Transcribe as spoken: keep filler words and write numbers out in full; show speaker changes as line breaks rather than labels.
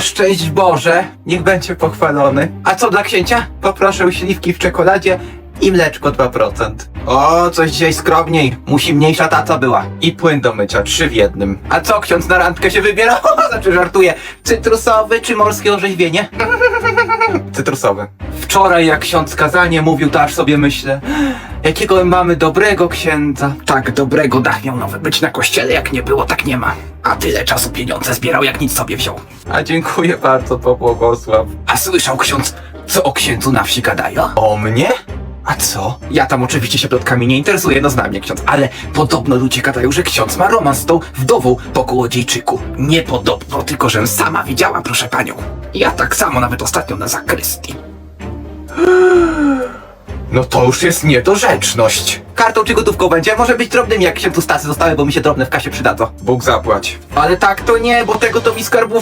szczęść Boże, niech będzie pochwalony. A co dla księcia? Poproszę śliwki w czekoladzie i mleczko dwa procent. O, coś dzisiaj skromniej. Musi mniejsza taca była. I płyn do mycia, trzy w jednym. A co, ksiądz na randkę się wybiera? Znaczy żartuję. Cytrusowy czy morskie orzeźwienie? Cytrusowy. Wczoraj jak ksiądz kazanie mówił, to aż sobie myślę, jakiego mamy dobrego księdza. Tak dobrego dach miał nowy być na kościele, jak nie było, tak nie ma. A tyle czasu pieniądze zbierał, jak nic sobie wziął. A dziękuję bardzo, to błogosław. A słyszał ksiądz, co o księdzu na wsi gadają? O mnie? A co? Ja tam oczywiście się plotkami nie interesuję, no znam mnie ksiądz, ale podobno ludzie gadają, że ksiądz ma romans z tą wdową po kołodziejczyku. Nie podobno, tylko żem sama widziała, proszę panią. Ja tak samo nawet ostatnio na zakrystii. No to już jest niedorzeczność. Kartą czy gotówką będzie? Może być drobnym, jak się tu stasy zostały, bo mi się drobne w kasie przydadzą. Bóg zapłać. Ale tak to nie, bo tego to mi skarbów